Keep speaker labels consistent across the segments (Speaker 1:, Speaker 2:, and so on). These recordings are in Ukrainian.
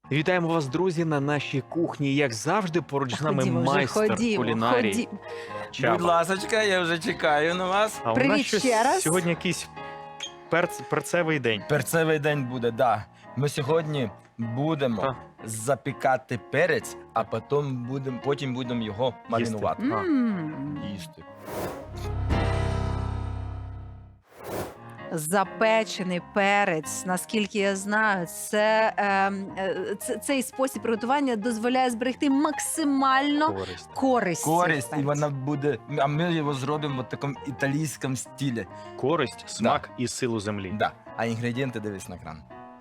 Speaker 1: Вітаємо вас, друзі, на нашій кухні. Як завжди, поруч з нами
Speaker 2: Ходімо вже,
Speaker 1: майстер
Speaker 2: ходімо,
Speaker 1: кулінарії
Speaker 2: ходімо.
Speaker 3: Будь
Speaker 1: Чаба.
Speaker 3: ласочка, я вже чекаю на вас.
Speaker 1: А у
Speaker 2: Привіт
Speaker 1: нас щось
Speaker 2: ще раз.
Speaker 1: сьогодні якийсь перцевий день.
Speaker 3: Перцевий день буде, да. Ми сьогодні будемо
Speaker 1: Так.
Speaker 3: запікати перець, а потім будемо його маринувати. Їсти.
Speaker 2: Запечений перець, наскільки я знаю, цей спосіб приготування дозволяє зберегти максимально
Speaker 1: Користь.
Speaker 2: користь. цих
Speaker 3: Користь, і
Speaker 2: перців.
Speaker 3: вона буде, а ми його зробимо в такому італійському стилі.
Speaker 1: Користь, смак і силу землі.
Speaker 3: Да. А інгредієнти дивись на екран.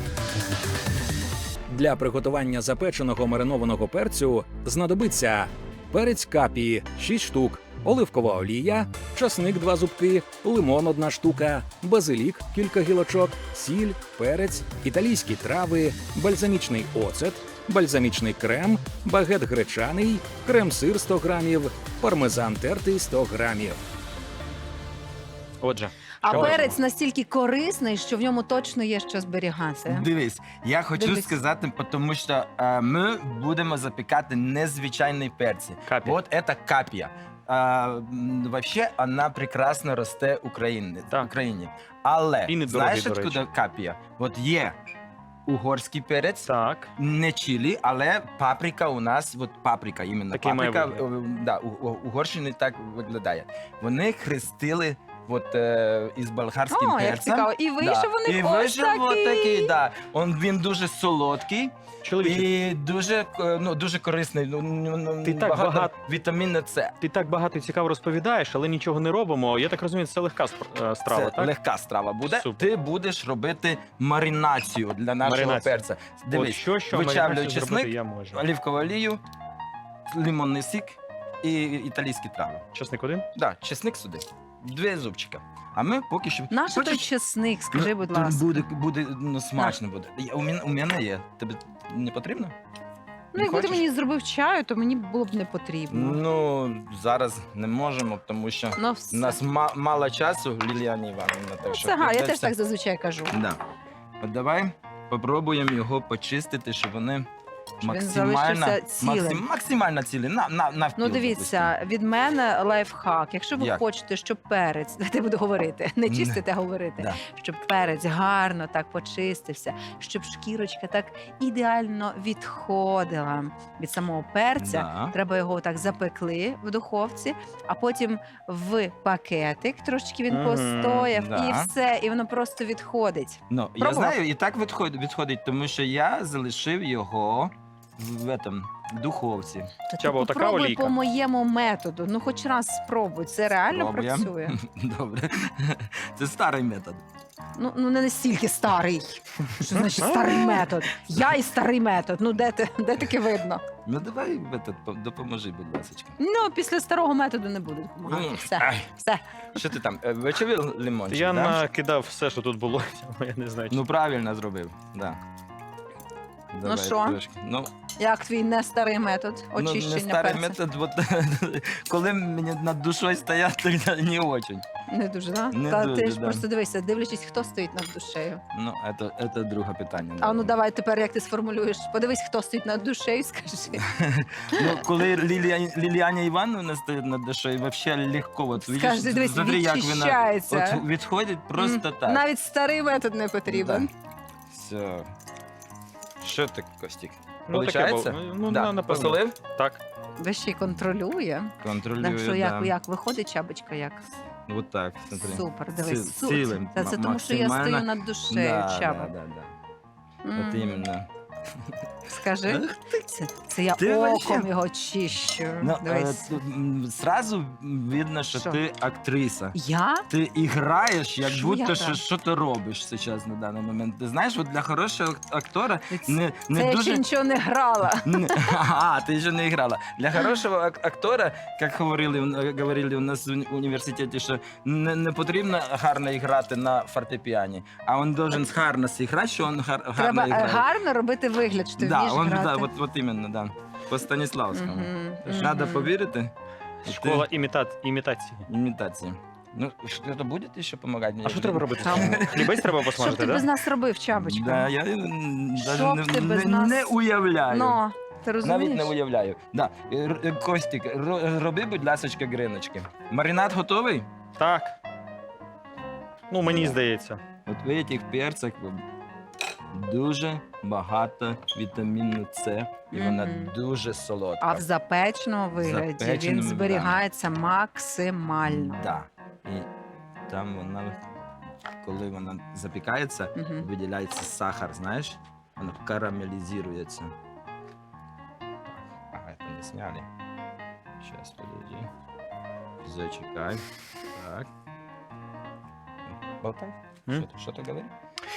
Speaker 4: Для приготування запеченого маринованого перцю знадобиться перець капі 6 штук, оливкова олія, часник 2 зубки, лимон 1 штука, базилік кілька гілочок, сіль, перець, італійські трави, бальзамічний оцет, бальзамічний крем, багет гречаний, крем-сир 100 грамів, пармезан тертий 100 грамів.
Speaker 1: Отже,
Speaker 2: А
Speaker 1: що
Speaker 2: перець настільки корисний, що в ньому точно є що зберігати.
Speaker 3: Дивись, я хочу
Speaker 2: Дивись.
Speaker 3: сказати, тому що ми будемо запікати незвичайні перці.
Speaker 1: Капі.
Speaker 3: Вот это капия. Вообще, вона прекрасно росте в Україні.
Speaker 1: Так.
Speaker 3: В Україні. Але
Speaker 1: І недорогий,
Speaker 3: знаєш,
Speaker 1: до
Speaker 3: откуда
Speaker 1: речі.
Speaker 3: капія? От є угорський перець,
Speaker 1: так.
Speaker 3: не чилі, але паприка у нас, от паприка, іменно
Speaker 1: Такий має
Speaker 3: паприка,
Speaker 1: вигляд.
Speaker 3: да, Угорщини так виглядає. Вони хрестили от, із болгарським
Speaker 2: О, як
Speaker 3: перцем.
Speaker 2: цікаво. І вийшов у них
Speaker 3: І
Speaker 2: ось
Speaker 3: вийшов от
Speaker 2: такий.
Speaker 3: такий, да. Він дуже солодкий
Speaker 1: Чоловіче,
Speaker 3: і дуже корисний.
Speaker 1: Ти так багато-
Speaker 3: вітаміну С.
Speaker 1: ти так багато і цікаво розповідаєш, але нічого не робимо. Я так розумію, це легка страва,
Speaker 3: Це
Speaker 1: так?
Speaker 3: легка страва буде.
Speaker 1: Супер.
Speaker 3: Ти будеш робити маринацію для нашого
Speaker 1: Маринацію.
Speaker 3: перця.
Speaker 1: От
Speaker 3: Дивись,
Speaker 1: що
Speaker 3: вичавлюй
Speaker 1: маринацію
Speaker 3: чесник,
Speaker 1: зробити я можу.
Speaker 3: оливкову олію, лимонний сік і італійські трави.
Speaker 1: Чесник один?
Speaker 3: Да, чесник сюди. 2 зубчика. А ми поки що.
Speaker 2: Наш той
Speaker 3: Хочеш?
Speaker 2: чесник, скажи, будь
Speaker 3: Ну,
Speaker 2: ласка.
Speaker 3: Буде смачно буде. У мене є. Тобі не потрібно?
Speaker 2: Ну, якби ти
Speaker 3: хочеш?
Speaker 2: мені зробив чаю, то мені було б не потрібно.
Speaker 3: Ну, зараз не можемо, тому що
Speaker 2: Ну,
Speaker 3: у
Speaker 2: все.
Speaker 3: нас мало часу, Ліліані Іванівна. Так що
Speaker 2: Це га, я теж
Speaker 3: придеться-
Speaker 2: так зазвичай кажу.
Speaker 3: Да. От давай попробуємо його почистити, щоб вони
Speaker 2: Щоб він
Speaker 3: максимально,
Speaker 2: залишився цілим.
Speaker 3: максимально цілі. Навпіл,
Speaker 2: Ну, дивіться, від мене лайфхак. Якщо ви
Speaker 3: Як?
Speaker 2: хочете, щоб перець, я буду говорити, не чистити, а говорити,
Speaker 3: Да.
Speaker 2: щоб перець гарно так почистився, щоб шкірочка так ідеально відходила від самого перця.
Speaker 3: Да.
Speaker 2: Треба його так запекли в духовці, а потім в пакетик трошечки він
Speaker 1: Мгм,
Speaker 2: постояв,
Speaker 3: да.
Speaker 2: і все, і воно просто відходить.
Speaker 3: Ну, я
Speaker 2: Пробував?
Speaker 3: знаю, і так відходить, тому що я залишив його в духовці.
Speaker 2: То
Speaker 1: Чаба,
Speaker 2: ти
Speaker 1: отака
Speaker 2: попробуй
Speaker 1: олійка.
Speaker 2: по моєму методу. Ну, хоч раз спробуй. Це реально
Speaker 3: Спробуємо.
Speaker 2: працює.
Speaker 3: Добре. Це старий метод.
Speaker 2: Ну не настільки старий. Що значить старий метод? Я і старий метод. Ну де таке видно?
Speaker 3: Ну давай допоможи, будь ласка.
Speaker 2: Ну, після старого методу не буду допомагати. Все,
Speaker 3: Ай,
Speaker 2: все.
Speaker 3: що ти там? Вечавив лимончик,
Speaker 1: Я
Speaker 3: да?
Speaker 1: накидав все, що тут було. Я не знаю.
Speaker 3: Ну правильно зробив, да. Давай,
Speaker 2: що?
Speaker 3: трошки. Ну,
Speaker 2: Як твій не старий метод очищення
Speaker 3: не старий
Speaker 2: перця?
Speaker 3: метод, коли мені над душою стоять, то не очень.
Speaker 2: Не дуже, да?
Speaker 3: Не
Speaker 2: Та
Speaker 3: дуже,
Speaker 2: ти ж
Speaker 3: да.
Speaker 2: просто дивися, дивлячись, хто стоїть над душею.
Speaker 3: Ну, це друге питання.
Speaker 2: А ну давай тепер, як ти сформулюєш. Подивись, хто стоїть над душею, скажи.
Speaker 3: Ну, коли Ліліаня Івановна стоїть над душою, взагалі легко. От,
Speaker 2: Скажи,
Speaker 3: видиш,
Speaker 2: дивись,
Speaker 3: смотри, як вона
Speaker 2: відчищається.
Speaker 3: от відходить просто так.
Speaker 2: Навіть старий метод не потрібен.
Speaker 3: Все. Що ти, Костік?
Speaker 1: Ну, таке
Speaker 3: Получається?
Speaker 1: було. Ну,
Speaker 3: Да.
Speaker 1: напевно.
Speaker 3: Посолив?
Speaker 1: Так.
Speaker 2: Ви ще й контролює.
Speaker 3: Контролюю,
Speaker 2: Так що
Speaker 3: да.
Speaker 2: як виходить чабочка, як?
Speaker 3: Вот так, смотри.
Speaker 2: Супер, дивись.
Speaker 3: Цілим,
Speaker 2: Це тому, що я
Speaker 3: максимально.
Speaker 2: стою над душею,
Speaker 3: Да,
Speaker 2: чаба.
Speaker 3: да. От іменно.
Speaker 2: Скажи, це я
Speaker 3: Ти
Speaker 2: оком
Speaker 3: вообще-
Speaker 2: його чищу.
Speaker 3: Ну,
Speaker 2: Дивись.
Speaker 3: тут, сразу видно, що
Speaker 2: Що?
Speaker 3: ти актриса.
Speaker 2: Я?
Speaker 3: Ти граєш, як
Speaker 2: Що
Speaker 3: будто
Speaker 2: я
Speaker 3: що,
Speaker 2: граю?
Speaker 3: що ти робиш зараз на даний момент. Ти знаєш, от для хорошого актора
Speaker 2: Це
Speaker 3: не
Speaker 2: я
Speaker 3: дуже...
Speaker 2: ще нічого не грала.
Speaker 3: Ти ще не грала. Для хорошого актора, як говорили у нас в університеті, що не потрібно гарно грати на фортепіані, а він должен гарно зіграти, що він гарно
Speaker 2: Треба
Speaker 3: грає.
Speaker 2: гарно робити вигляд, що ти
Speaker 3: Да,
Speaker 2: вмієш грати.
Speaker 3: да, от іменно, да. По Станіславському.
Speaker 2: Мгм,
Speaker 3: Треба
Speaker 2: мгм.
Speaker 3: повірити.
Speaker 1: Школа імітації.
Speaker 3: Імітації. Ну, что-то будет еще помогать мне?
Speaker 1: А що треба робити?
Speaker 2: Там.
Speaker 1: Хлібець треба
Speaker 2: Що б
Speaker 1: посмажити,
Speaker 2: ти без
Speaker 1: так?
Speaker 2: нас робив, Чабочка?
Speaker 3: Да, я
Speaker 2: Що б ти без нас?
Speaker 3: не уявляю.
Speaker 2: Ну, ти
Speaker 3: Навіть
Speaker 2: розумієш?
Speaker 3: не уявляю. Да. Костік, роби, будь ласка, гриночки. Маринад готовий?
Speaker 1: Так. Ну, мені здається.
Speaker 3: От в цих перцях дуже багато вітаміну С, і вона
Speaker 2: Мгм.
Speaker 3: дуже солодка.
Speaker 2: А в запеченому вигляді
Speaker 3: Запеченому,
Speaker 2: він
Speaker 3: да.
Speaker 2: зберігається максимально.
Speaker 3: Да. І там вона, коли вона запікається,
Speaker 2: Мгм.
Speaker 3: виділяється сахар, знаєш? Воно карамелізується. Ага, это не сняли. Сейчас, подожди. Зачекай. Так. Болтай.
Speaker 1: М?
Speaker 3: Что ты говоришь?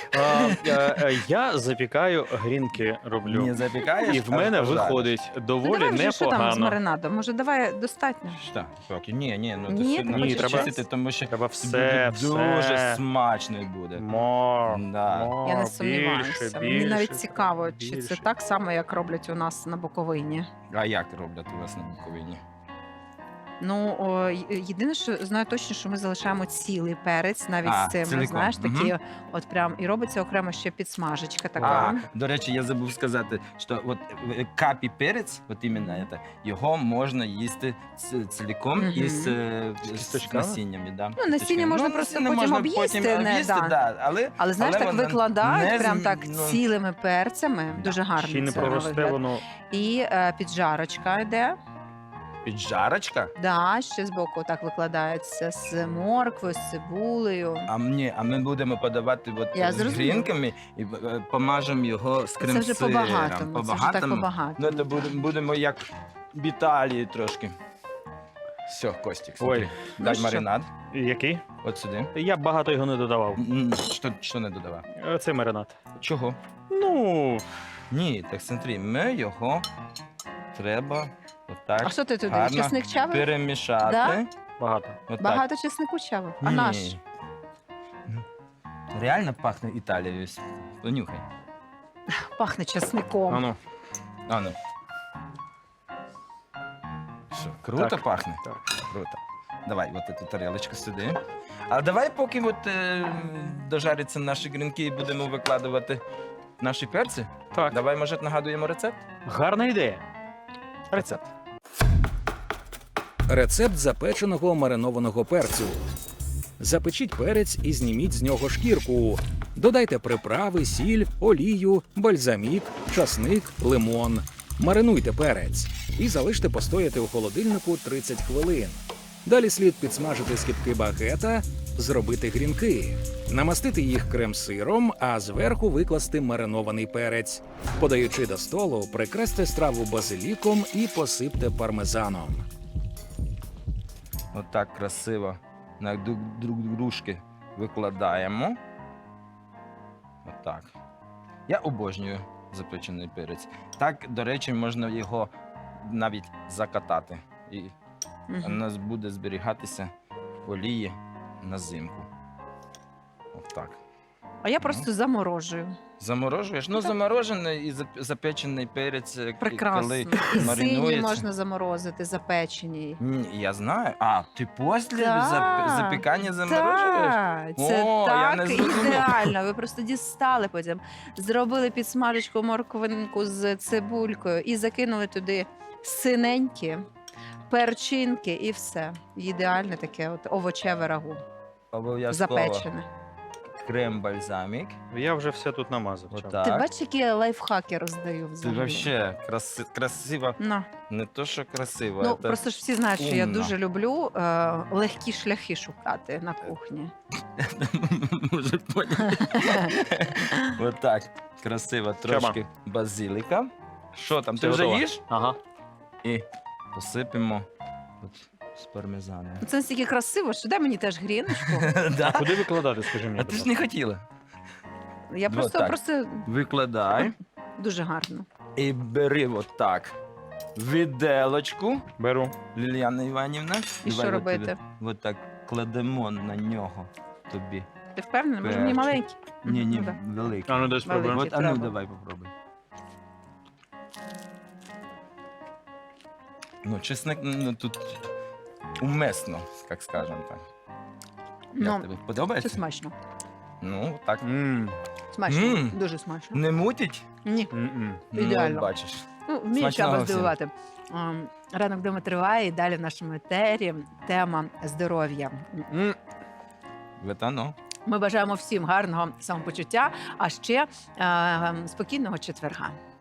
Speaker 1: Я запікаю грінки роблю.
Speaker 3: Не запікаєш?
Speaker 1: І в мене виходить
Speaker 2: Ну,
Speaker 1: доволі
Speaker 2: давай вже, що там з
Speaker 1: непогано.
Speaker 2: маринадом? Може, давай достатньо?
Speaker 3: Що? Поки. Ні, ну
Speaker 2: Ні,
Speaker 3: це
Speaker 2: ти
Speaker 1: хочеш
Speaker 3: треба
Speaker 2: час?
Speaker 3: тому що
Speaker 1: Треба
Speaker 3: буде
Speaker 1: все,
Speaker 3: дуже
Speaker 1: все.
Speaker 3: смачно буде.
Speaker 1: Мор,
Speaker 3: Да.
Speaker 1: мор,
Speaker 2: Я не
Speaker 1: більше,
Speaker 2: сумніваюся. Мені
Speaker 1: більше,
Speaker 2: навіть цікаво, чи
Speaker 1: більше.
Speaker 2: це так само, як роблять у нас на Буковині.
Speaker 3: А як роблять у вас на Буковині?
Speaker 2: Ну, єдине, що знаю точно, що ми залишаємо цілий перець, навіть
Speaker 3: А,
Speaker 2: з цим,
Speaker 3: ціликом.
Speaker 2: знаєш, такі
Speaker 3: Мгм.
Speaker 2: от прям, і робиться окремо ще підсмажечка
Speaker 3: А,
Speaker 2: така.
Speaker 3: до речі, я забув сказати, що от капі перець, от іменно це, його можна їсти цілком
Speaker 2: Мгм.
Speaker 3: із
Speaker 1: кісточками?
Speaker 3: насіннями. Да,
Speaker 2: Ну, насіння можна просто
Speaker 3: насіння
Speaker 2: потім
Speaker 3: можна
Speaker 2: об'їсти,
Speaker 3: потім
Speaker 2: не,
Speaker 3: об'їсти,
Speaker 2: да.
Speaker 3: да, але
Speaker 2: Але знаєш,
Speaker 3: але
Speaker 2: так
Speaker 3: вона
Speaker 2: викладають
Speaker 3: не
Speaker 2: прям
Speaker 3: з-
Speaker 2: так
Speaker 3: ну,
Speaker 2: цілими перцями,
Speaker 3: Да.
Speaker 2: дуже гарно.
Speaker 1: Ще й не
Speaker 2: це на
Speaker 1: проросте
Speaker 2: вигляд.
Speaker 1: воно.
Speaker 2: І піджарочка йде.
Speaker 3: піджарочка.
Speaker 2: Да, ще збоку так викладається з морквою, з цибулею.
Speaker 3: А ми будемо подавати от
Speaker 2: Я
Speaker 3: з
Speaker 2: зрозуміла.
Speaker 3: грінками і помажемо його з
Speaker 2: Це
Speaker 3: крем
Speaker 2: вже по-багатому. Це вже так по-багатому.
Speaker 3: Ну, це будемо як в Італії трошки. Все, Костік, смотри.
Speaker 1: Ой.
Speaker 3: Дай
Speaker 2: що?
Speaker 3: маринад.
Speaker 1: Який?
Speaker 3: От сюди.
Speaker 1: Я б багато його не додавав.
Speaker 3: Що не додавав?
Speaker 1: Це маринад.
Speaker 3: Чого?
Speaker 1: Ну,
Speaker 3: Ні, так смотри, ми його треба отак
Speaker 2: А що ти туди?
Speaker 3: гарно
Speaker 2: Чесник чавив?
Speaker 3: перемішати.
Speaker 2: Да?
Speaker 1: багато.
Speaker 3: Отак.
Speaker 2: Багато чеснику чавив. А
Speaker 3: Ні.
Speaker 2: наш?
Speaker 3: Ну, реально пахне Італією. Понюхай.
Speaker 2: Пахне чесником.
Speaker 1: Ану.
Speaker 3: А ну. Що, круто
Speaker 1: Так.
Speaker 3: пахне?
Speaker 1: Так.
Speaker 3: Круто. Давай, от цю тарелочку сюди. А давай, поки от, дожаряться наші грінки і будемо викладувати наші перці.
Speaker 1: Так.
Speaker 3: Давай, може, нагадуємо рецепт?
Speaker 1: Гарна ідея. Рецепт.
Speaker 4: Рецепт запеченого маринованого перцю. Запечіть перець і зніміть з нього шкірку. Додайте приправи, сіль, олію, бальзамік, часник, лимон. Маринуйте перець і залиште постояти у холодильнику 30 хвилин. Далі слід підсмажити скибки багета, зробити грінки, намастити їх крем-сиром, а зверху викласти маринований перець. Подаючи до столу, прикрасьте страву базиліком і посипте пармезаном.
Speaker 3: Отак красиво на друг дружки викладаємо. Отак. Я обожнюю запечений перець. Так, до речі, можна його навіть закатати. І у
Speaker 2: Мгм.
Speaker 3: нас буде зберігатися в олії на зимку. Отак.
Speaker 2: А я просто заморожую.
Speaker 3: Заморожуєш? Ну, заморожений і запечений перець,
Speaker 2: Прекрасно.
Speaker 3: коли
Speaker 2: І сині
Speaker 3: маринується.
Speaker 2: можна заморозити, запечені.
Speaker 3: Ні, я знаю. А, ти після
Speaker 2: Так,
Speaker 3: запікання заморожуєш?
Speaker 2: Так, це
Speaker 3: О, я не
Speaker 2: так
Speaker 3: зрозумів.
Speaker 2: ідеально. Ви просто дістали потім, зробили підсмажечку морквинку з цибулькою і закинули туди синенькі, перчинки і все. Ідеальне таке от овочеве рагу,
Speaker 3: Обов'язково.
Speaker 2: запечене.
Speaker 3: Крем-бальзамік.
Speaker 1: Я вже все тут намазав. чав.
Speaker 3: Отак.
Speaker 2: Ти бачиш, які я лайфхаки роздаю
Speaker 3: Це
Speaker 2: взагалі?
Speaker 3: вообще красиво.
Speaker 2: Ну,
Speaker 3: Не то, що красиво,
Speaker 2: ну
Speaker 3: це
Speaker 2: просто ж всі знають, що я
Speaker 3: умно.
Speaker 2: дуже люблю легкі шляхи шукати на кухні.
Speaker 3: може поняти. Отак. Красиво. Трошки базиліка. Що там, ти
Speaker 1: Все
Speaker 3: вже
Speaker 1: готово.
Speaker 3: їш?
Speaker 1: Ага.
Speaker 3: І посипемо от з пармезаном.
Speaker 2: Це настільки красиво, що дай мені теж гріночку.
Speaker 3: Да?
Speaker 1: Куди викладати, скажи мені?
Speaker 3: А
Speaker 1: будь
Speaker 3: ти ж
Speaker 1: ласка?
Speaker 3: не хотіла.
Speaker 2: Я
Speaker 3: так.
Speaker 2: просто
Speaker 3: Викладай
Speaker 2: дуже гарно.
Speaker 3: і бери отак віделочку,
Speaker 1: Беру.
Speaker 3: Ліліана Іванівна.
Speaker 2: І що робити?
Speaker 3: Отак кладемо на нього тобі.
Speaker 2: Ти впевнений? Може мені
Speaker 3: Перчик.
Speaker 2: маленький?
Speaker 3: Ні, ні,
Speaker 2: Ну, да.
Speaker 3: великий.
Speaker 1: А ну дай спробуємо.
Speaker 2: Великий.
Speaker 3: От, а ну
Speaker 2: треба.
Speaker 3: давай попробуй. Ну, чесник, ну, тут умесно, як скажемо так.
Speaker 2: Ну,
Speaker 3: Як тобі?
Speaker 2: це
Speaker 3: Подобається?
Speaker 2: смачно.
Speaker 3: Ну, так.
Speaker 2: Смачно,
Speaker 3: Мм.
Speaker 2: дуже смачно.
Speaker 3: Не мутить?
Speaker 2: Ні,
Speaker 1: М-м.
Speaker 3: Ну,
Speaker 2: Ідеально.
Speaker 3: от бачиш.
Speaker 2: ну, вмію
Speaker 3: Смачного
Speaker 2: Чаба
Speaker 3: всім.
Speaker 2: здивувати. Ранок вдома триває, і далі в нашому етері тема здоров'я.
Speaker 3: Вот оно.
Speaker 2: Ми бажаємо всім гарного самопочуття, а ще спокійного четверга.